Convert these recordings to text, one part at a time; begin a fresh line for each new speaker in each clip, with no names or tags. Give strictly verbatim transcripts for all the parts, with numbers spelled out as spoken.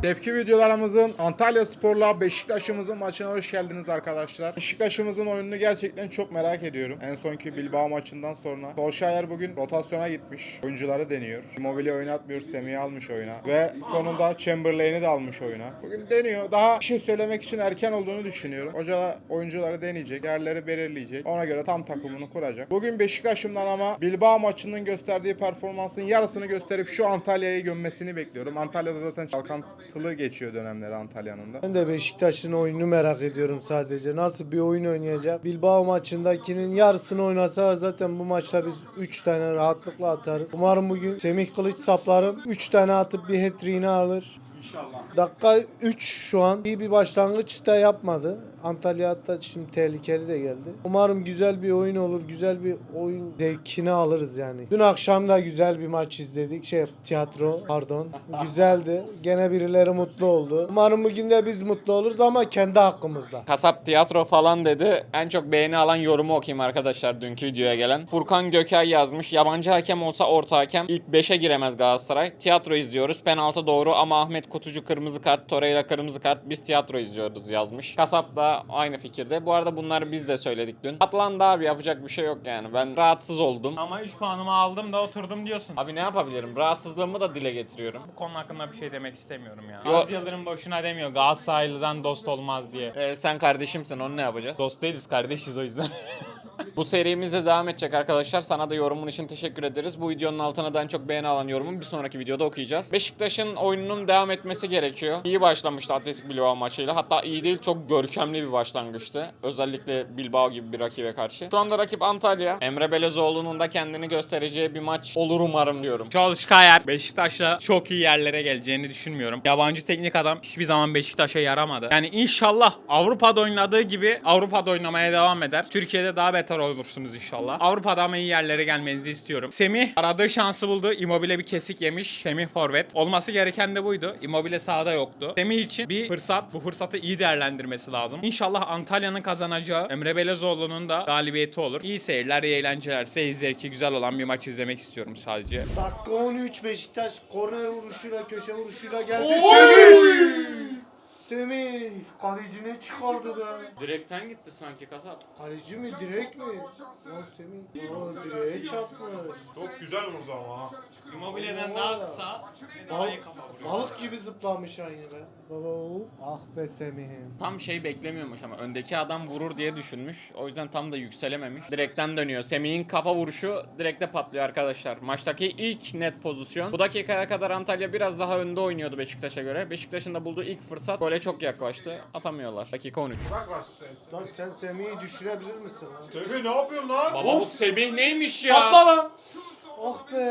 Tepki videolarımızın Antalyaspor'la Beşiktaş'ımızın maçına hoş geldiniz arkadaşlar. Beşiktaş'ımızın oyununu gerçekten çok merak ediyorum. En sonki Bilbao maçından sonra. Solskjaer bugün rotasyona gitmiş. Oyuncuları deniyor. Immobile oynatmıyor. Semih'i almış oyuna. Ve sonunda Chamberlain'i de almış oyuna. Bugün deniyor. Daha bir şey söylemek için erken olduğunu düşünüyorum. Hoca oyuncuları deneyecek. Yerleri belirleyecek. Ona göre tam takımını kuracak. Bugün Beşiktaş'ımdan ama Bilbao maçının gösterdiği performansın yarısını gösterip şu Antalya'yı gömmesini bekliyorum. Antalya'da zaten çalkantılı geçiyor dönemleri Antalya'nın da.
Ben de Beşiktaş'ın oyununu merak ediyorum sadece. Nasıl bir oyun oynayacak? Bilbao maçındakinin yarısını oynasa zaten bu maçta biz üç tane rahatlıkla atarız. Umarım bugün Semih Kılıç saplarım üç tane atıp bir hat-trick'ini alır.
İnşallah.
Dakika üç şu an. İyi bir başlangıç da yapmadı. Antalya hatta şimdi tehlikeli de geldi. Umarım güzel bir oyun olur. Güzel bir oyun zevkini alırız yani. Dün akşam da güzel bir maç izledik. Şey tiyatro pardon. Güzeldi. Gene birileri mutlu oldu. Umarım bugün de biz mutlu oluruz ama kendi hakkımızda.
Kasap tiyatro falan dedi. En çok beğeni alan yorumu okuyayım arkadaşlar dünkü videoya gelen. Furkan Gökay yazmış. Yabancı hakem olsa orta hakem ilk beşe giremez Galatasaray. Tiyatro izliyoruz. Penaltı doğru ama Ahmet Kutucu kırmızı kart, Torreira kırmızı kart. Biz tiyatro izliyoruz yazmış. Kasap da aynı fikirde. Bu arada bunları biz de söyledik dün. Atlandı abi, yapacak bir şey yok yani. Ben rahatsız oldum.
Ama üç puanımı aldım da oturdum diyorsun.
Abi ne yapabilirim? Rahatsızlığımı da dile getiriyorum.
Bu konu hakkında bir şey demek istemiyorum ya.
Yo-
Aziz Yıldırım boşuna demiyor Galatasaraylı'dan dost olmaz diye.
Ee, sen kardeşimsin, onu ne yapacağız?
Dost değiliz, kardeşiz o yüzden.
Bu serimizde devam edecek arkadaşlar. Sana da yorumun için teşekkür ederiz. Bu videonun altına da en çok beğeni alan yorumun bir sonraki videoda okuyacağız. Beşiktaş'ın oyununun devam etmesi gerekiyor. İyi başlamıştı Atletik Bilbao maçıyla. Hatta iyi değil, çok görkemli bir başlangıçtı. Özellikle Bilbao gibi bir rakibe karşı. Şu anda rakip Antalya. Emre Belezoğlu'nun da kendini göstereceği bir maç olur umarım diyorum.
Solskjaer Beşiktaş'la çok iyi yerlere geleceğini düşünmüyorum. Yabancı teknik adam hiçbir zaman Beşiktaş'a yaramadı. Yani inşallah Avrupa'da oynadığı gibi Avrupa'da oynamaya devam eder. Türkiye'de daha beter olursunuz inşallah. Avrupa'da ama iyi yerlere gelmenizi istiyorum. Semih aradığı şansı buldu. Immobile bir kesik yemiş. Semih forvet. Olması gereken de buydu. Immobile sahada yoktu. Semih için bir fırsat. Bu fırsatı iyi değerlendirmesi lazım. İnşallah Antalya'nın kazanacağı, Emre Belezoğlu'nun da galibiyeti olur. İyi seyirler, iyi eğlenceler. Seyir zevki güzel olan bir maç izlemek istiyorum sadece.
Dakika on üç Beşiktaş korner vuruşuyla köşe vuruşuyla geldi. Semih! Semih! Kaleci ne çıkardı be?
Direkten gitti sanki kasap.
Kaleci mi direkt mi? Lan Semih. Oo direğe çarpmış.
Çok güzel vurdu ama.
Immobile'den daha kısa ve daha iyi kafa vuruyor.
Balık gibi zıplamış aynı be. Baba o. Ah be Semih'im.
Tam şey beklemiyormuş ama öndeki adam vurur diye düşünmüş. O yüzden tam da yükselememiş. Direkten dönüyor. Semih'in kafa vuruşu direkte patlıyor arkadaşlar. Maçtaki ilk net pozisyon. Bu dakikaya kadar Antalya biraz daha önde oynuyordu Beşiktaş'a göre. Beşiktaş'ın da bulduğu ilk fırsat gole çok yaklaştı. Atamıyorlar. Dakika on üç.
Lan sen Semih'i düşürebilir misin lan?
Semih ne yapıyorsun lan?
Baba bu Semih neymiş ya?
Sapla lan! Ah be!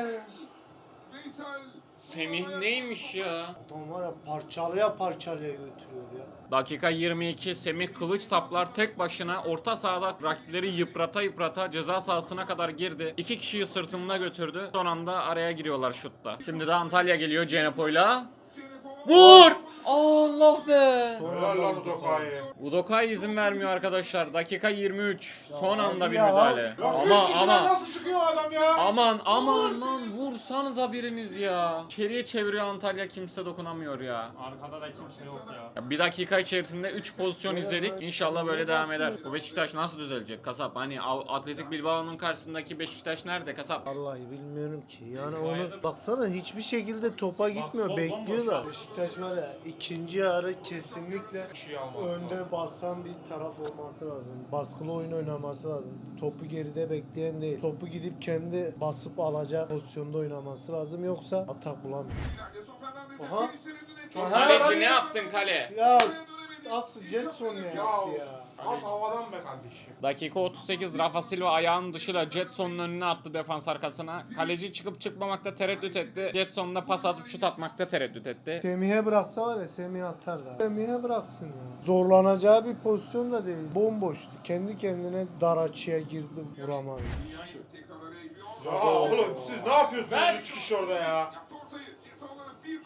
Semih neymiş ya?
Adam var ya parçalaya parçalaya götürüyor ya.
Dakika yirmi iki. Semih kılıç saplar tek başına orta sahada rakipleri yıprata yıprata ceza sahasına kadar girdi. İki kişiyi sırtında götürdü. Son anda araya giriyorlar şutta. Şimdi de Antalya geliyor Cenepo'yla. Vur! Allah be!
Helal lan Udoka'yı.
Udokay izin vermiyor arkadaşlar. Dakika yirmi üç. Son anda bir
ya.
müdahale.
Ya
Ama
üç kişiden
ama
nasıl çıkıyor adam ya?
aman aman lan vursanıza biriniz ya. İçeriye çeviriyor Antalya, kimse dokunamıyor ya.
Arkada da kimse yok ya.
Ya bir dakika içerisinde üç pozisyon izledik. İnşallah böyle devam eder. Bu Beşiktaş nasıl düzelecek kasap? Hani Atletik Bilbao'nun karşısındaki Beşiktaş nerede kasap?
Vallahi bilmiyorum ki. Yani onu baksana hiçbir şekilde topa gitmiyor.
sol
Bekliyorlar.
bomboş.
Beşiktaş var ya ikinci yarı kesinlikle önde basan bir taraf olması lazım. Baskılı oyun oynaması lazım. Topu geride bekleyen değil. Topu gidip kendi basıp alacak pozisyonda oynaması lazım. Yoksa atak bulamıyor. Aha. Aha.
Kaleci ne yaptın kale?
Ya asıl Jetson ne yaptı ya?
Az havadan be kardeşim.
Dakika otuz sekiz. Rafa Silva ayağının dışıyla Jetson'un önüne attı defans arkasına. Kaleci çıkıp çıkmamakta tereddüt etti. Jetson da pas atıp şut atmakta tereddüt etti.
Semih'e bıraksa var ya Semih atar da. Semih'e bıraksın ya. Zorlanacağı bir pozisyon da değil. Bomboştu. Kendi kendine dar açıya girdi vuramadı.
Ya oğlum siz ne yapıyorsunuz üç kişi orada ya?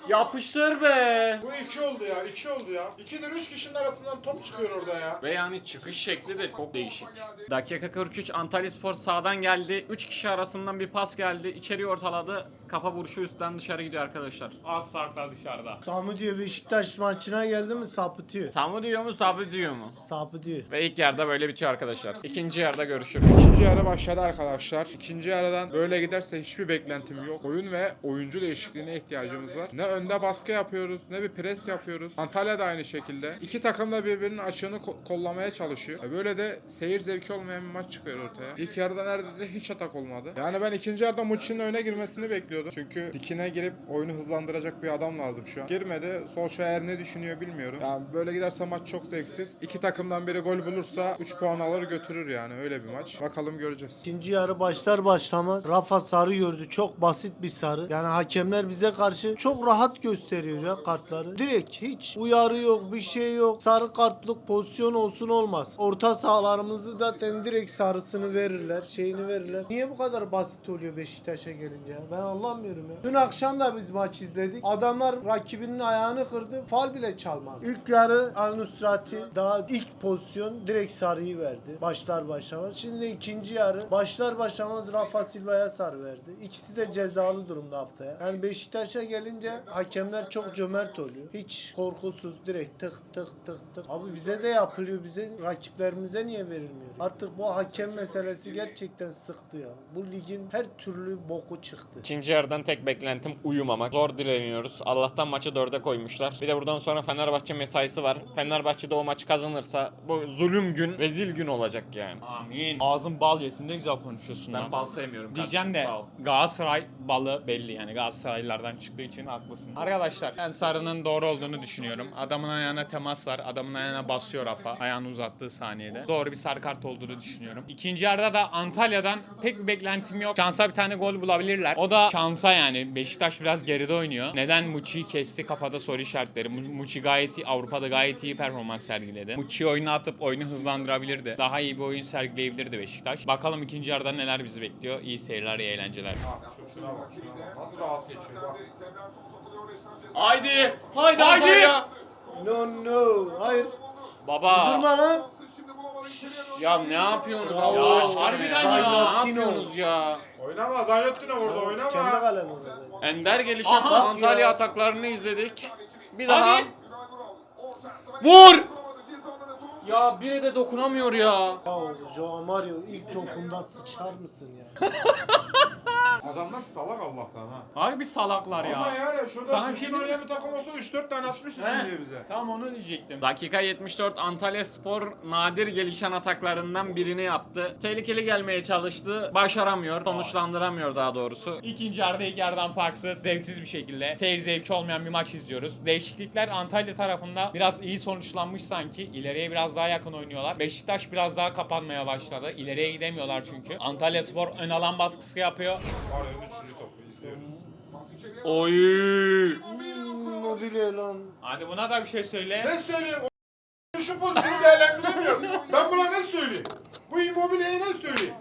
Yapıştır be.
Bu iki oldu ya, iki oldu ya. İkidir üç kişinin arasından top çıkıyor orada ya.
Ve yani çıkış şekli de çok değişik. Dakika kırk üç Antalyaspor sağdan geldi. üç kişi arasından bir pas geldi. İçeri ortaladı. Kafa vuruşu üstten dışarı gidiyor arkadaşlar.
Az farkla dışarıda.
Sami diyor Beşiktaş maçına geldi mi sapıtıyor.
Tamı diyor mu sabı diyor mu?
Sapıtıyor.
Ve ilk yarıda böyle bitiyor arkadaşlar. İkinci yarıda görüşürüz.
İkinci yarı başladı arkadaşlar. İkinci yarıdan böyle giderse hiçbir beklentim yok. Oyun ve oyuncu değişikliğine ihtiyacımız var. Ne önde baskı yapıyoruz, ne bir pres yapıyoruz. Antalya da aynı şekilde. İki takım da birbirinin açığını ko- kollamaya çalışıyor. E Böyle de seyir zevki olmayan bir maç çıkıyor ortaya. İlk yarıda neredeyse hiç atak olmadı. Yani ben ikinci yarıda Muçi'nin öne girmesini bekliyordum. Çünkü dikine girip oyunu hızlandıracak bir adam lazım şu an. Girmedi. Solskjaer ne düşünüyor bilmiyorum. Yani böyle giderse maç çok zevksiz. İki takımdan biri gol bulursa üç puan alır götürür yani. Öyle bir maç. Bakalım göreceğiz.
İkinci yarı başlar başlamaz Rafa sarı gördü. Çok basit bir sarı. Yani hakemler bize karşı çok rahat gösteriyor ya kartları. Direkt hiç uyarı yok, bir şey yok. Sarı kartlık pozisyon olsun olmaz. Orta sahalarımızı zaten direkt sarısını verirler, şeyini verirler. Niye bu kadar basit oluyor Beşiktaş'a gelince ya? Ben anlamıyorum ya. Dün akşam da biz maç izledik. Adamlar rakibinin ayağını kırdı. Fal bile çalmadı. İlk yarı Al Nusrati daha ilk pozisyon direkt sarıyı verdi. Başlar başlamaz. Şimdi ikinci yarı başlar başlamaz Rafa Silva'ya sarı verdi. İkisi de cezalı durumda haftaya. Yani Beşiktaş'a gelince hakemler çok cömert oluyor. Hiç korkusuz direkt tık tık tık tık. Abi bize de yapılıyor. Bize rakiplerimize niye verilmiyor? Artık bu hakem meselesi gerçekten sıktı ya. Bu ligin her türlü boku çıktı.
İkinci yarıdan tek beklentim uyumamak. Zor direniyoruz. Allah'tan maçı dörde koymuşlar. Bir de buradan sonra Fenerbahçe mesaisi var. Fenerbahçe de o maçı kazanırsa bu zulüm gün, rezil gün olacak yani.
Amin. Ağzın bal yesin, ne güzel konuşuyorsun
Ben
lan.
bal sevmiyorum.
Diyeceğim de
kardeşim, sağ ol.
Galatasaray balı belli, yani Galatasaraylılardan çıktığı için haklısın. Arkadaşlar ben sarının doğru olduğunu düşünüyorum. Adamın ayağına temas var. Adamın ayağına basıyor Rafa. Ayağını uzattığı saniyede. Doğru bir sarı kart olduğunu düşünüyorum. İkinci yarıda da Antalya'dan pek bir beklentim yok. Şansa bir tane gol bulabilirler. O da şansa yani. Beşiktaş biraz geride oynuyor. Neden Muçi'yi kesti, kafada soru işaretleri. Mu- Muçi gayet iyi, Avrupa'da gayet iyi performans sergiledi. Muçi'yi oyuna atıp oyunu hızlandırabilirdi. Daha iyi bir oyun sergileyebilirdi Beşiktaş. Bakalım ikinci yarıda neler bizi bekliyor. İyi seyirler, iyi eğlenceler.
Şuna bak, şuna bak. Nasıl rahat geçiyor bak.
Haydi! Haydi
Haydi!
Antalya!
No no. Hayır.
Baba!
Durma lan.
Ya ne yapıyorsunuz
Ya,
Allah aşkına
harbiden
ya?
ya.
Ne
Zaynettin
yapıyorsunuz ya?
Oynama Zaylettin'e vurdu oynama.
Kendi kalen olacak.
Ender gelişen
Aha.
Antalya
Ya.
ataklarını izledik. Bir daha.
Hadi!
Vur! Ya biri de dokunamıyor ya.
Ya Joao Mario ilk topunda sıçar mısın ya?
Adamlar salak Allah'tan ha.
Harbi salaklar ya.
Ama yani şurada
Sana bir
bir
şey
şey oynayan bir takım olsa üç dört tane atmış
He.
üstün diye bize.
Tam onu diyecektim.
Dakika yetmiş dört Antalyaspor nadir gelişen ataklarından birini yaptı. Tehlikeli gelmeye çalıştı. Başaramıyor. Sonuçlandıramıyor daha doğrusu.
İkinci yarıda ilk yarıdan farksız, zevksiz bir şekilde seyir zevki olmayan bir maç izliyoruz. Değişiklikler Antalya tarafında biraz iyi sonuçlanmış sanki. İleriye biraz daha yakın oynuyorlar. Beşiktaş biraz daha kapanmaya başladı. İleriye gidemiyorlar çünkü. Antalyaspor ön alan baskısı yapıyor.
Var ya üçüncü topu izliyoruz.
Oy!
Hmm, o bile lan.
Hadi buna da bir şey söyle.
Ne söyleyeyim? O şu pozisyonu değerlendiremiyorum. Ben buna ne söyleyeyim? Bu Immobile'ye ne söyleyeyim?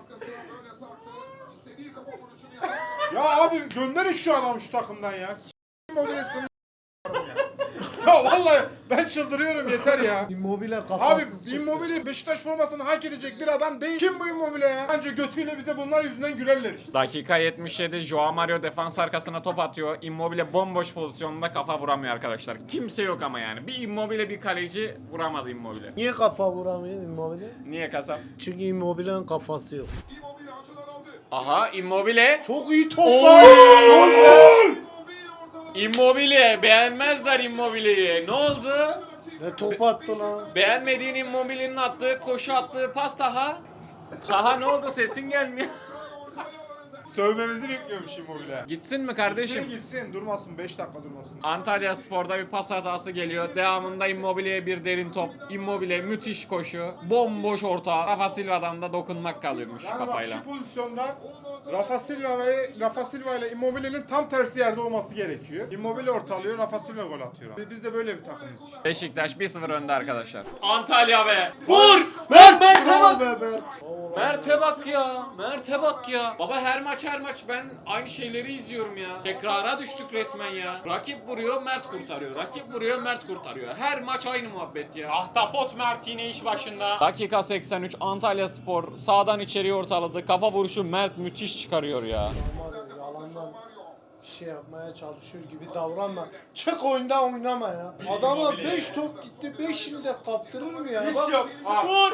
Ya abi gönderin şu adamı şu takımdan ya. Immobile'sini ya. Ya vallahi ben çıldırıyorum yeter ya.
Immobile
Abi
kafasız çıktı.
Immobile Beşiktaş formasını hak edecek bir adam değil. Kim bu Immobile ya? Bence götüyle bize bunlar yüzünden gülerler işte.
Dakika yetmiş yedi Joao Mario defans arkasına top atıyor. Immobile bomboş pozisyonunda kafa vuramıyor arkadaşlar. Kimse yok ama yani. Bir Immobile bir kaleci vuramadı Immobile.
Niye kafa vuramıyor Immobile?
Niye kasap?
Çünkü Immobile'nin kafası yok.
Aha Immobile.
Çok iyi
Oo!
toplar. Gol be!
Immobile beğenmezler Immobile'yi. Ne oldu?
Ne top attı lan?
Beğenmediğin Immobile'nin attığı koşu attığı pas Taha. Taha ne oldu sesin gelmiyor.
Sövmemizi bekliyormuş Immobile.
Gitsin mi
Gitsin
kardeşim?
gitsin durmasın beş dakika durmasın.
Antalya Spor'da bir pas hatası geliyor. Devamında Immobile'ye bir derin top. Immobile müthiş koşu. Bomboş orta. Rafa Silva'dan da dokunmak kalıyormuş
Yani bak
kafayla.
şu pozisyonda Rafa Silva ve Rafa Silva ile Immobile'nin tam tersi yerde olması gerekiyor. Immobile ortalıyor, Rafa Silva gol atıyor. Biz- Biz de böyle bir takımız işte.
Beşiktaş bir sıfır önde arkadaşlar. Antalya be. Vur! Ver ben
Bravo be Mert. Oo,
Mert'e bak ya. Mert'e bak ya. Baba her maç her maç ben aynı şeyleri izliyorum ya. Tekrara düştük resmen ya. Rakip vuruyor Mert kurtarıyor. Rakip vuruyor Mert kurtarıyor. Her maç aynı muhabbet ya.
Ahtapot Mert yine iş başında.
Dakika seksen üç Antalyaspor sağdan içeriye ortaladı. Kafa vuruşu Mert müthiş çıkarıyor ya.
Ama yalandan bir şey yapmaya çalışıyor gibi davranma. Çık oyunda oynama ya. Adama beş top gitti, beşini de kaptırır mı ya? Bak,
Yok.
Vur.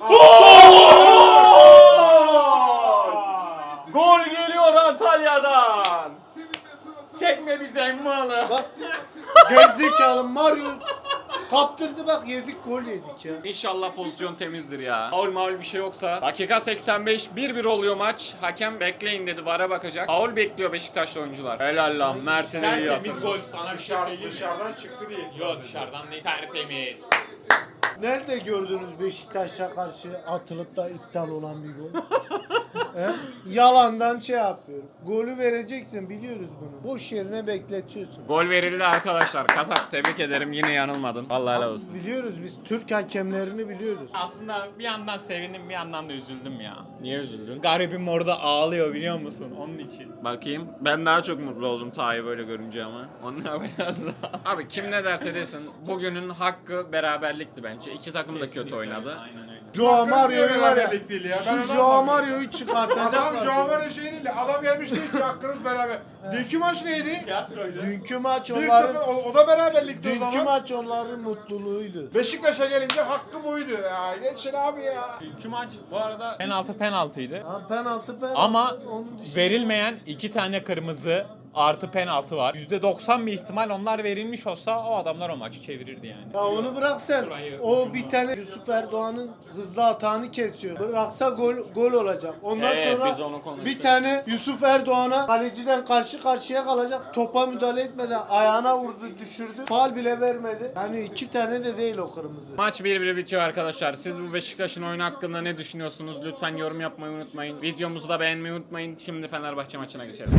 Gol geliyor Antalya'dan. Çekme bize malı.
bak gerizekalı Mario kaptırdı, bak yedik, gol yedik ya.
İnşallah pozisyon temizdir ya. Faul maul bir şey yoksa. Dakika seksen beş bir bir oluyor maç. Hakem bekleyin dedi, V A R'a bakacak. Faul bekliyor Beşiktaşlı oyuncular. Helal lan Mert'in iyi
Tertemiz
atıldı.
gol. Sana bir şey
Dışarı,
söyleyeyim mi?
dışarıdan çıktı diye.
Yok dışarıdan değil, tertemiz.
Nerede gördünüz Beşiktaş'a karşı atılıp da iptal olan bir gol? He? Yalandan şey yapıyor. Golü vereceksin, biliyoruz bunu. Boş yerine bekletiyorsun.
Gol verildi arkadaşlar. Kasap tebrik ederim, yine yanılmadın. Vallahi helal olsun.
Biliyoruz, biz Türk hakemlerini biliyoruz.
Aslında bir yandan sevindim, bir yandan da üzüldüm ya.
Niye üzüldün?
Garibim orada ağlıyor biliyor musun? Onun için.
Bakayım. Ben daha çok mutlu oldum Taha'yı böyle görünce ama. Onun biraz daha. Abi kim ne derse desin bugünün hakkı beraberlikti bence. İki takım da kötü oynadı.
Aynen öyle.
Joao Mario'yu var ya,
beraberlik değil ya. Ben onu
şu Joao
anlamadım.
Mario'yu
Adam
çıkartacaklar.
şu an var ya şey değil de adam gelmiş değil ki hakkınız beraber. Dünkü maç neydi?
Tiyatroydu.
Dünkü maç
bir sıfır
onların,
o, o da beraberlikti o
dünkü
zaman.
maç onların mutluluğuydu.
Beşiktaş'a gelince hakkı buydu ya. Geçin abi ya.
Dünkü maç bu arada penaltı penaltıydı.
Ha, penaltı penaltı.
Ama
Onun dışında-
verilmeyen iki tane kırmızı artı penaltı var. yüzde doksan bir ihtimal onlar verilmiş olsa o adamlar o maçı çevirirdi yani.
Ya onu bırak sen.
Burayı-
O bir tane Yusuf Erdoğan'ın hızlı atağını kesiyor. Bıraksa gol gol olacak. Ondan
Evet,
sonra
biz onu konuştuk.
bir tane Yusuf Erdoğan'a kaleciden karşı karşıya kalacak. Topa müdahale etmeden ayağına vurdu, düşürdü. Faul bile vermedi. Yani iki tane de değil o kırmızı.
Maç bir bir bitiyor arkadaşlar. Siz bu Beşiktaş'ın oyunu hakkında ne düşünüyorsunuz? Lütfen yorum yapmayı unutmayın. Videomuzu da beğenmeyi unutmayın. Şimdi Fenerbahçe maçına geçelim.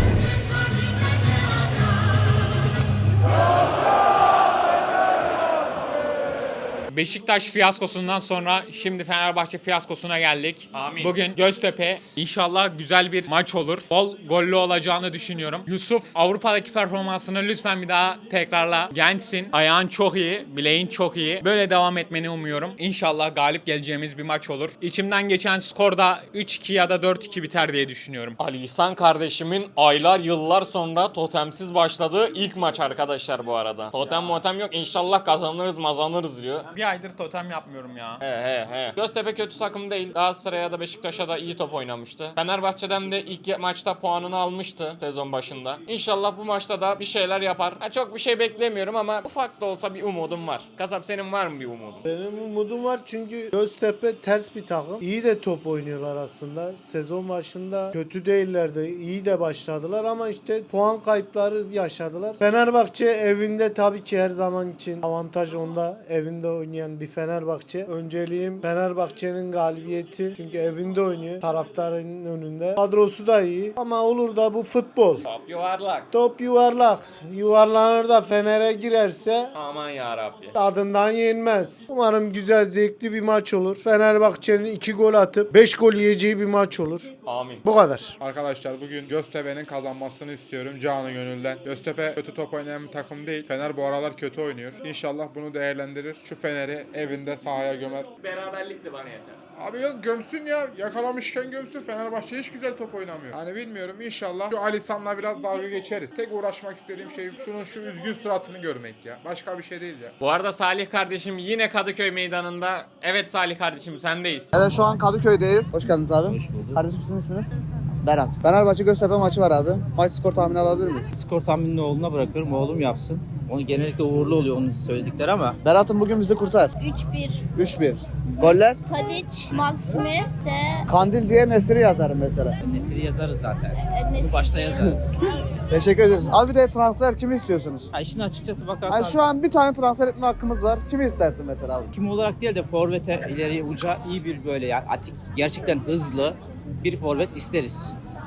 Beşiktaş fiyaskosundan sonra şimdi Fenerbahçe fiyaskosuna geldik.
Amin.
Bugün Göztepe, inşallah güzel bir maç olur. Bol gollü olacağını düşünüyorum. Yusuf, Avrupa'daki performansını lütfen bir daha tekrarla. Gençsin, ayağın çok iyi, bileğin çok iyi. Böyle devam etmeni umuyorum. İnşallah galip geleceğimiz bir maç olur. İçimden geçen skor da üç iki ya da dört iki biter diye düşünüyorum.
Ali İhsan kardeşimin aylar yıllar sonra totemsiz başladığı ilk maç arkadaşlar bu arada. Totem motem yok, İnşallah kazanırız mazanırız diyor.
Bir aydır totem yapmıyorum ya.
He he he. Göztepe kötü takım değil. Galatasaray'a da Beşiktaş'a da iyi top oynamıştı. Fenerbahçe'den de ilk maçta puanını almıştı sezon başında. İnşallah bu maçta da bir şeyler yapar. Ha, çok bir şey beklemiyorum ama ufak da olsa bir umudum var. Kasap senin var mı bir umudun?
Benim umudum var çünkü Göztepe ters bir takım. İyi de top oynuyorlar aslında. Sezon başında kötü değillerdi. İyi de başladılar ama işte puan kayıpları yaşadılar. Fenerbahçe evinde tabii ki her zaman için avantaj onda. Evinde oynayan bir Fenerbahçe. Önceliğim Fenerbahçe'nin galibiyeti. Çünkü evinde oynuyor. Taraftarın önünde. Kadrosu da iyi. Ama olur da bu futbol.
Top yuvarlak.
Top yuvarlak. Yuvarlanır da Fener'e girerse
Aman yarabbi.
tadından yenmez. Umarım güzel, zevkli bir maç olur. Fenerbahçe'nin iki gol atıp beş gol yiyeceği bir maç olur.
Amin.
Bu kadar.
Arkadaşlar bugün Göztepe'nin kazanmasını istiyorum canı gönülden. Göztepe kötü top oynayan bir takım değil. Fener bu aralar kötü oynuyor. İnşallah bunu değerlendirir. Şu Fener'i evinde sahaya gömer.
Beraberlik de bana yeter.
Abi yok gömsün ya. Yakalamışken gömsün. Fenerbahçe hiç güzel top oynamıyor. Hani bilmiyorum inşallah şu Ali San'la biraz dalga geçeriz. Tek uğraşmak istediğim şey şunun şu üzgün suratını görmek ya. Başka bir şey değil ya.
Bu arada Salih kardeşim yine Kadıköy meydanında. Evet Salih kardeşim sendeyiz.
Evet şu an Kadıköy'deyiz. Hoş geldiniz abi.
Hoş bulduk.
Kardeşim sizin isminiz? Berat. Fenerbahçe Göztepe maçı var abi. Maç skor tahmini alabilir miyiz?
Skor tahminini oğluna bırakıyorum. Oğlum yapsın. Onu genellikle uğurlu oluyor onun söyledikleri ama
Berat'ım bugün bizi kurtar.
üç bir.
üç bir. Goller?
Tadic, Maximi de
Kandil diye Nesiri yazarım mesela.
Nesiri yazarız zaten.
e,
Bunu
Nesri.
başta yazarız.
Teşekkür ediyoruz. Abi de transfer kimi istiyorsunuz?
Ha, işin açıkçası bakarsan
Yani şu an bir tane transfer etme hakkımız var. Kimi istersin mesela abi?
kim olarak değil de forvete ileriye uca iyi bir böyle yani atik gerçekten hızlı bir forvet isteriz.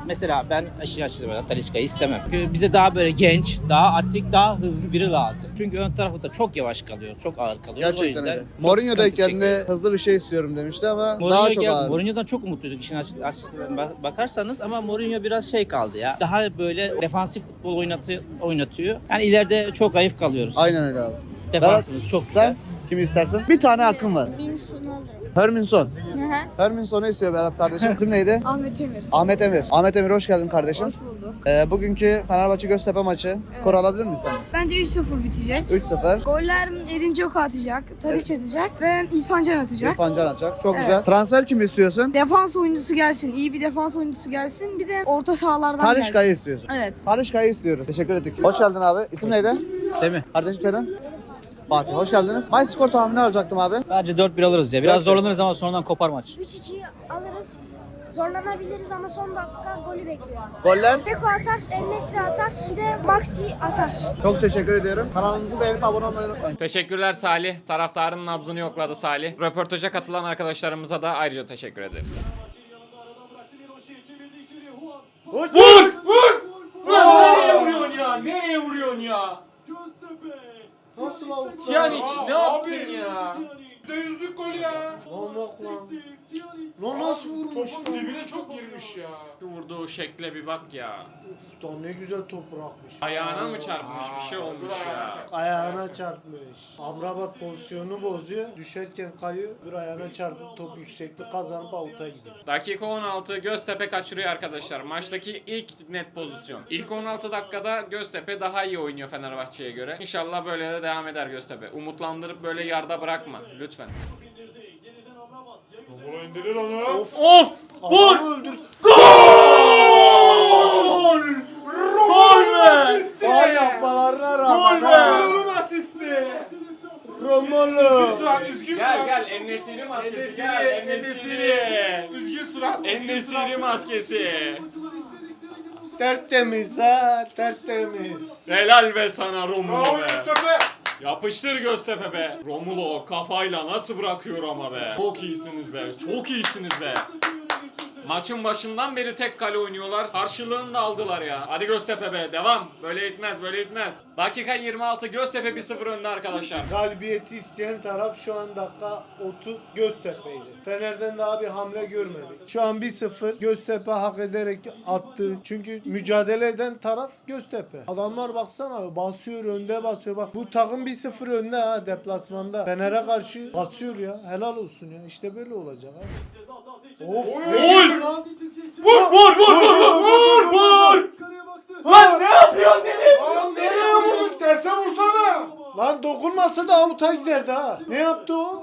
mesela ben aşırı açıkçası Talisca'yı istemem. Çünkü bize daha böyle genç, daha atik, daha hızlı biri lazım. Çünkü ön tarafta çok yavaş kalıyoruz, çok ağır kalıyoruz. O
Gerçekten
yüzden
öyle.
çok
Mourinho'dayken
sıkıntı
de
çekiyoruz.
hızlı bir şey istiyorum demişti ama
Mourinho
daha çok
gel-
ağır.
Mourinho'dan çok umutluyduk işin açık, açıkçası bak- bakarsanız ama Mourinho biraz şey kaldı ya. Daha böyle defansif futbol oynatıyor, oynatıyor. Yani ileride çok zayıf kalıyoruz.
Aynen öyle abi.
Defansımız çok güzel.
Sen kimi istersin? Bir tane hakkın var.
Minsun alırım.
Herminson.
Hı hı.
Herminson'u istiyor Berat kardeşim. İsim neydi?
Ahmet Emir.
Ahmet Emir. Ahmet Emir hoş geldin kardeşim.
Hoş bulduk.
Ee, bugünkü Fenerbahçe Göztepe maçı. Skor alabilir miyiz sen?
Bence üç sıfır bitecek.
üç sıfır.
Goller Edin Dzeko atacak, Tadic atacak ve İrfan Can atacak.
İrfan Can atacak. Çok
Evet.
güzel. Transfer kimi istiyorsun?
Defans oyuncusu gelsin, iyi bir defans oyuncusu gelsin. Bir de orta sahalardan
Talişka'yı
gelsin.
istiyorsun.
Evet.
Talişka'yı istiyoruz. Teşekkür ettik. Hoş geldin abi. İsim neydi?
Semih.
Kardeşim senin? Fatih. Hoş geldiniz. Maç skor tahmini alacaktım abi.
Bence dört bir alırız ya. Biraz
Dört bir.
zorlanırız ama sonradan kopar maç.
üç iki alırız. Zorlanabiliriz ama son dakika golü bekliyor.
Goller.
Beko atar, El-Nesri atar, bir de Maxi atar.
Çok teşekkür ediyorum. Kanalımızı beğenip abone olmayı unutmayın.
Teşekkürler Salih. Taraftarın nabzını yokladı Salih. Röportaja katılan arkadaşlarımıza da ayrıca teşekkür ederiz.
Vur! Vur!
Nereye vuruyorsun ya? Nereye vuruyorsun ya?
Nasıl out?
Pjanic ne
Aa,
yaptın
abi.
ya?
yüzde yüzlük gol ya.
Lan bak lan. Lan nasıl vurmuş
Topun
lan?
dibine çok girmiş ya.
Şu vurduğu şekle bir bak ya.
Lan ne güzel top bırakmış.
Ayağına mı çarpmış bir şey olmuş ya.
Ayağına çarpmış. Amrabat pozisyonu bozuyor. Düşerken kayıyor. Bir ayağına çarpıp top yükseklik kazanıp avuta gidiyor.
Dakika on altı Göztepe kaçırıyor arkadaşlar. Maçtaki ilk net pozisyon. İlk on altı dakikada Göztepe daha iyi oynuyor Fenerbahçe'ye göre. İnşallah böyle de devam eder Göztepe. Umutlandırıp böyle yarıda bırakma lütfen.
Romulo indirir onu.
Of.
Of! Vur!
Adamı öldür.
Gol! Gol be!
Faul yapmalarına rağmen.
Gol
ha.
be!
Romulo asisti.
Romolo.
Surat üzgün
Gel
surat.
gel En-Nesyri maskesi
En-Nesyri,
gel
En-Nesyri.
En-Nesyri.
Üzgün surat.
En-Nesyri maskesi.
Tertemiz ha. Tertemiz.
Helal be sana Romulo
Bravo
be.
Göztepe.
Yapıştır Göztepe be. Romulo kafayla nasıl bırakıyor ama be. Çok iyisiniz be. Çok iyisiniz be. Maçın başından beri tek kale oynuyorlar. Karşılığını da aldılar ya. Hadi Göztepe be. Devam. Böyle gitmez. Böyle gitmez. Dakika yirmi altı Göztepe bir sıfır önde arkadaşlar.
Galibiyeti isteyen taraf şu an dakika otuz Göztepe'ydi. Fener'den daha bir hamle görmedik. Şu an bir sıfır Göztepe hak ederek attı. Çünkü mücadele eden taraf Göztepe. Adamlar baksana basıyor önde basıyor. Bak bu takım bir sıfır önde ha deplasmanda. Fener'e karşı basıyor ya. Helal olsun ya. İşte böyle olacak ha. Of.
Gol!
Lan.
Vur vur vur vur vur vur! Lan ne yapıyorsun? Nereye
Lan nereye vurdun? Terse vursana.
Lan dokunmasa da avuta giderdi ha. Ne yaptı o?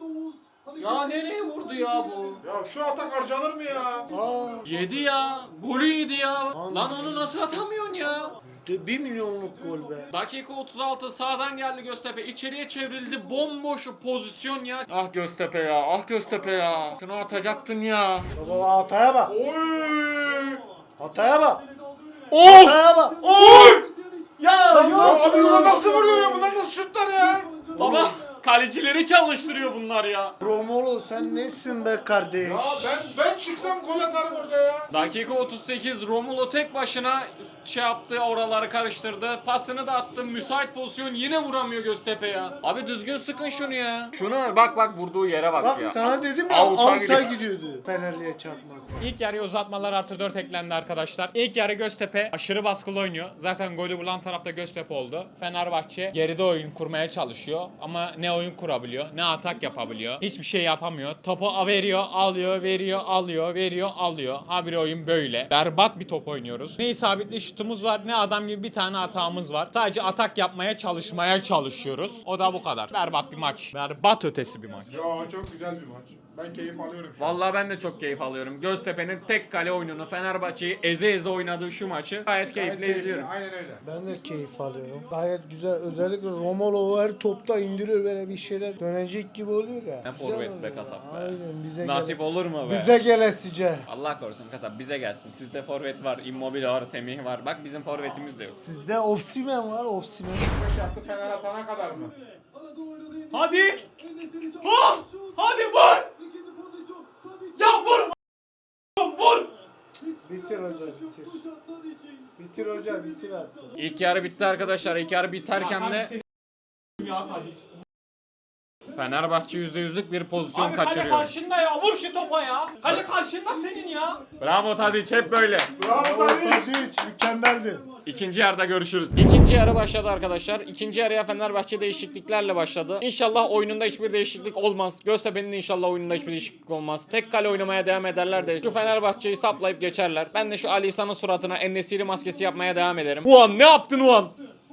Ya nereye vurdu ya bu?
Ya şu atak harcanır mı ya?
Aa,
Yedi ya. Golü yedi ya. Lan onu nasıl atamıyorsun ya?
yüzde bir milyonluk gol be.
Dakika otuz altı sağdan geldi Göztepe. İçeriye çevrildi. Bomboş pozisyon ya. Ah Göztepe ya. Ah Göztepe ya. Şunu atacaktın ya.
Baba hataya bak.
Oy!
Hataya bak.
Of!
Hataya bak.
Of! Ya
Lan
ya.
nasıl bir
Bunlar
vuruş
nasıl
ya?
vuruyor ya? Bunlar nasıl şutlar ya?
Baba kalecileri çalıştırıyor bunlar ya.
Romolo sen nesin be kardeş?
Ya ben ben çıksam gol atarım orada ya.
Dakika otuz sekiz Romulo tek başına şey yaptı, oraları karıştırdı. Pasını da attı. Müsait pozisyon yine vuramıyor Göztepe ya. Abi düzgün sıkın şunu ya. Şunu bak bak vurduğu yere bak,
Bak
ya.
sana dedim ya
Avuta
avuta
gidiyor.
gidiyordu. Fenerli'ye çarpmaz.
İlk yarıya uzatmalar artı dört eklendi arkadaşlar. İlk yarı Göztepe aşırı baskılı oynuyor. Zaten golü bulan tarafta Göztepe oldu. Fenerbahçe geride oyun kurmaya çalışıyor. Ama ne oyun kurabiliyor, ne atak yapabiliyor. Hiçbir şey yapamıyor. Topu veriyor, alıyor, veriyor, alıyor, veriyor, alıyor. Habire oyun böyle. Berbat bir top oynuyoruz. Ne isabetli şutumuz var, ne adam gibi bir tane hatamız var. Sadece atak yapmaya çalışmaya çalışıyoruz. O da bu kadar. Berbat bir maç. Berbat ötesi bir maç.
Ya çok güzel bir maç. Ben keyif alıyorum şu an.
Vallahi ben de çok keyif alıyorum. Göztepe'nin tek kale oyununu, Fenerbahçe'yi eze eze oynadığı şu maçı gayet keyifle
Gayet
izliyorum.
Aynen öyle.
Ben de keyif alıyorum. Gayet güzel. Özellikle Romolo her topta indiriyor böyle bir şeyler dönecek gibi oluyor ya.
Ne
Güzel
forvet be
oluyor.
kasap be.
Aynen bize
Nasip
gele-
olur mu be?
Bize gelesice.
Allah korusun kasap bize gelsin. Sizde forvet var, Immobile var, Semih var. Bak bizim forvetimiz de yok.
Sizde Osimhen var Osimhen.
beş yaptı Fener atana kadar mı?
Hadi! Ha! Hadi vur! Ya vur! Vur!
Bitir hoca bitir. Bitir hoca bitir artık.
İlk yarı bitti arkadaşlar. İlk yarı biterken de Fenerbahçe yüzde yüzlük bir pozisyon
Abi kale
kaçırıyor.
karşında ya. Vur şu topa ya. Kale karşında senin ya.
Bravo Tadiç, hep böyle.
Bravo Tadiç mükemmeldi.
İkinci yarıda görüşürüz. İkinci yarı başladı arkadaşlar. İkinci yarıya Fenerbahçe değişikliklerle başladı. İnşallah oyununda hiçbir değişiklik olmaz. Göztepe'nin de inşallah oyununda hiçbir değişiklik olmaz. Tek kale oynamaya devam ederler de şu Fenerbahçe'yi saplayıp geçerler. Ben de şu Ali İhsan'ın suratına En-Nesyri maskesi yapmaya devam ederim. Ulan ne yaptın ulan?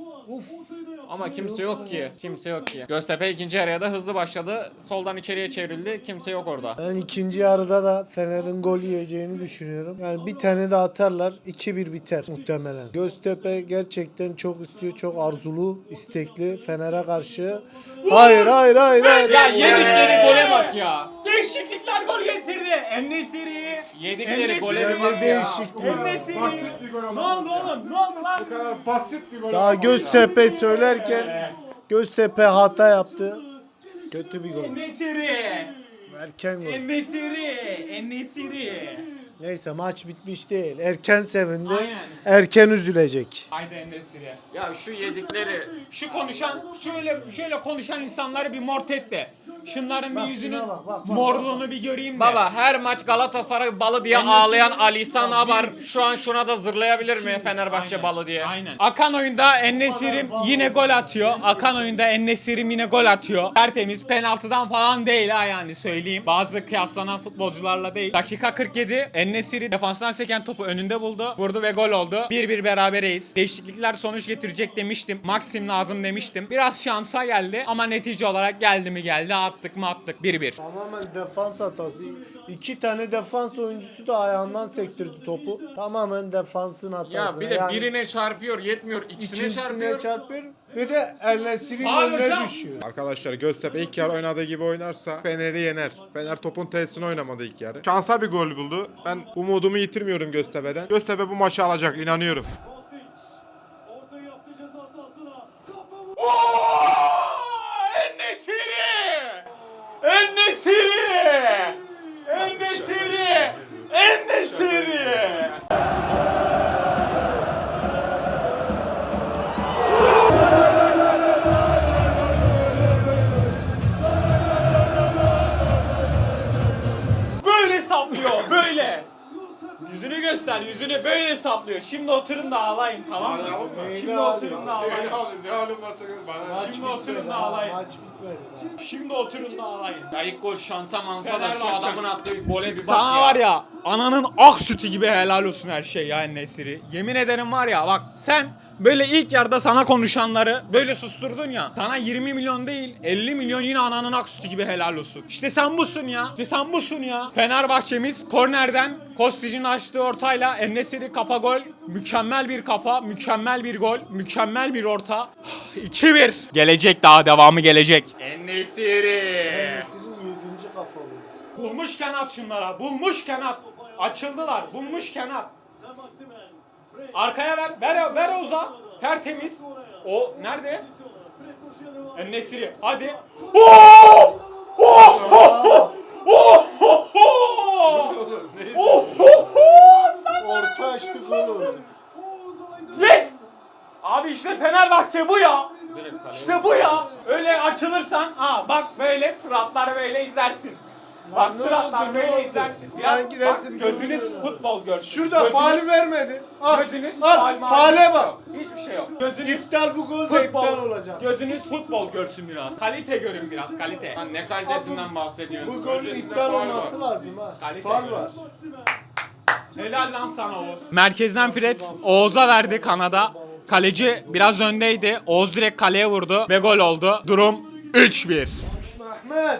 Ama kimse yok ki. Kimse yok ki. Göztepe ikinci yarıya da hızlı başladı. Soldan içeriye çevrildi. Kimse yok orada.
Ben ikinci yarıda da Fener'in gol yiyeceğini düşünüyorum. Yani bir tane de atarlar iki bir biter muhtemelen. Göztepe gerçekten çok istiyor, çok arzulu, istekli Fener'e karşı. Hayır hayır hayır hayır.
Ya yedikleri gole bak ya.
Değişiklikler gol getirdi. En-Nesyri.
Yedikleri gole
Ya
bir
ne
bak ya.
değişikliği.
En-Nesyri.
Basit bir gol
Ne
ama.
oldu oğlum? Ne oldu lan?
Bu kadar basit bir gol.
Daha
ama.
Göztepe söylerken Göztepe hata yaptı. Kötü bir gol.
En-Nesyri.
Erken gol.
En-Nesyri. En-Nesyri.
Neyse maç bitmiş değil. Erken sevindi.
Aynen.
Erken üzülecek.
Haydi En-Nesyri.
Ya şu yedikleri.
Şu konuşan, şöyle şöyle konuşan insanları bir mort et de. Şunların
Bak
bir yüzünün
şuna bak, bak, bak,
morluğunu bir göreyim de.
Baba her maç Galatasaray balı diye
En-Nesyri-
ağlayan Ali İhsan
Bak,
Abar
bir-
şu an şuna da zırlayabilir mi Fenerbahçe
Aynen,
balı diye?
Aynen. Akan oyunda En-Nesyri yine gol atıyor. Akan oyunda En-Nesyri yine gol atıyor. Tertemiz, penaltıdan falan değil ha, yani söyleyeyim. Bazı kıyaslanan futbolcularla değil. Dakika kırk yedi. En-Nesyri defanstan seken topu önünde buldu. Vurdu ve gol oldu. bir bir berabereyiz. Değişiklikler sonuç getirecek demiştim. Maxim lazım demiştim. Biraz şansa geldi ama netice olarak geldi mi geldi. Attık mı attık. bir bir.
Tamamen defans hatası. İki tane defans oyuncusu da ayağından sektirdi topu. Tamamen defansın hatası.
Ya bir de
Yani
birine çarpıyor yetmiyor ikisine
ikincisine
çarpıyor.
çarpıyor. Bir de El-Nesri'nin
Abi
önüne
hocam.
düşüyor.
Arkadaşlar Göztepe ilk yarı oynadığı gibi oynarsa Fener'i yener. Fener topun tesisini oynamadı ilk yarı. Şansa bir gol buldu. Ben umudumu yitirmiyorum Göztepe'den. Göztepe bu maçı alacak, inanıyorum.
En-Nesyri! En-Nesyri! En-Nesyri! En-Nesyri!
Böyle saplıyor, böyle. Yüzünü göster, yüzünü böyle saplıyor. Şimdi oturun da ağlayın, tamam mı? Şimdi oturun da ağlayın.
Ne halim varsa gör bana.
Maç
Şimdi oturun
bitmedi
da
daha.
ağlayın.
Maç bitmedi daha.
Şimdi oturun da ağlayın.
Ya ilk gol şansa mansa da şu
Fenerbahçe.
adamın attığı gole bir bak
Sana
ya.
var ya, ananın ak sütü gibi helal olsun her şey ya En-Nesyri. Yemin ederim var ya, bak sen böyle ilk yarıda sana konuşanları böyle susturdun ya. Sana yirmi milyon değil elli milyon yine ananın ak sütü gibi helal olsun. İşte sen busun ya. İşte sen busun ya. Fenerbahçemiz kornerden Kostic'in açtığı ortayla En-Nesyri kafa gol. Mükemmel bir kafa, mükemmel bir gol, mükemmel bir orta. iki bir. Gelecek, daha devamı gelecek.
En-Nesyri!
El-Nesri'nin yedinci kafa oldu.
Bulmuşken at şunlara. Bulmuşken at. Açıldılar. Bulmuşken at. Arkaya ver. Ver, ver Oğuz'a. Tertemiz. O nerede? En-Nesyri. Hadi. Oo! Oh! Oh! Oh! Oh!
Orta açtı gol oldu.
Yes! Abi işte Fenerbahçe bu ya. İşte bu ya. Öyle açılırsan, ha bak böyle sıratlar böyle izlersin. Bak
ne
sıratlar
oldu, ne
böyle
oldu?
izlersin.
Sanki
Biraz,
dersin
bak, gözünüz
görüyor.
futbol görsün.
Şurada
Gözünüz-
faali vermedi. Al,
Gözünüz
al
faal maal
faale
hiçbir şey
bak.
yok. Hiçbir şey yok. Gözünüz
İptal bu gol de
futbol,
iptal olacak.
Gözünüz futbol görsün biraz. Kalite görün biraz, kalite.
Lan ne kalitesinden bahsediyorsun?
Bu golün
Öncesinde
iptal
faul var.
olması lazım ha.
Kalite
Faul
gol.
var.
Helal lan sana Oğuz. Merkezden Fred Oğuz'a verdi kanada. Kaleci biraz öndeydi. Oğuz direkt kaleye vurdu ve gol oldu. Durum üç bir.
Mehmet.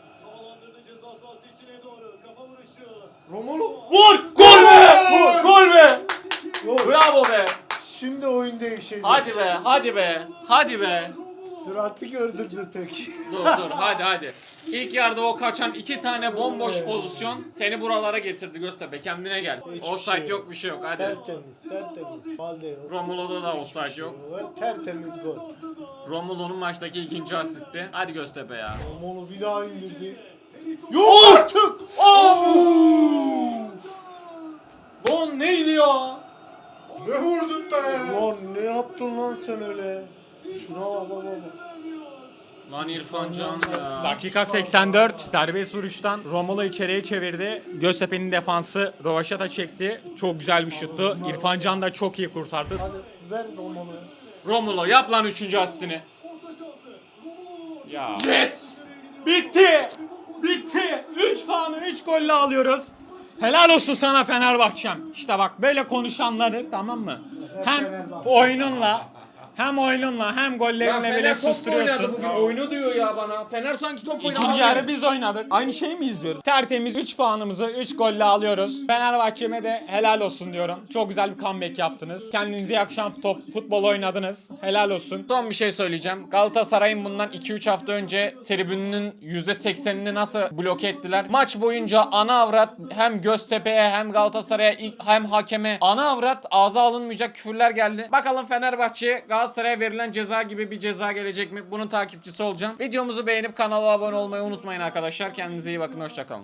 Romulo.
Vur! Gol be! Gol be!
Gol.
Bravo be!
Şimdi oyun değişecek.
Hadi be, hadi be, hadi be.
Suratı gördün mü peki?
Dur dur, hadi hadi. İlk yarıda o kaçan iki tane bomboş pozisyon seni buralara getirdi Göztepe. Kendine gel.
Hiçbir
Offside
şey
yok, bir şey yok. Hadi.
Tertemiz, tertemiz. Faul de yok.
Romulo'da da
Hiçbir
offside
şey
yok.
Tertemiz gol.
Romulo'nun maçtaki ikinci asisti. Hadi Göztepe ya.
Romulo bir daha indirdi. Yok artık!
Ne
Lan neydi ya?
Ne vurdun be?
Lan ne yaptın lan sen öyle? Şuna bak bak bak.
Lan İrfan Can ya.
Dakika seksen dört. Serbest vuruştan Romulo içeriye çevirdi. Göztepe'nin defansı rovaşata çekti. Çok güzel bir şuttu. İrfan Can da çok iyi kurtardı.
Hadi ver Romalı.
Romulo yap lan üçüncü asistini. Ya.
Yes! Bitti! Bitti! üç puanı üç golle alıyoruz. Helal olsun sana Fenerbahçem. İşte bak böyle konuşanları, tamam mı? Hem oyununla hem oyununla hem
Ya
gollerinle bile
Fener top mu oynadı
susturuyorsun.
bugün? Oyunu diyor ya bana. Fener sanki top oynadı.
İkinci yarı biz oynadık. Aynı şeyi mi izliyoruz? Tertemiz üç puanımızı üç golle alıyoruz. Fenerbahçe'me de helal olsun diyorum. Çok güzel bir comeback yaptınız. Kendinize yakışan top, futbol oynadınız. Helal olsun.
Son bir şey söyleyeceğim. Galatasaray'ın bundan iki üç hafta önce tribününün yüzde seksenini nasıl bloke ettiler? Maç boyunca ana avrat hem Göztepe'ye hem Galatasaray'a ilk- hem hakeme ana avrat ağza alınmayacak küfürler geldi. Bakalım Fenerbahçe'ye Galatasaray'a verilen ceza gibi bir ceza gelecek mi? Bunun takipçisi olacağım. Videomuzu beğenip kanala abone olmayı unutmayın arkadaşlar. Kendinize iyi bakın. Hoşça kalın.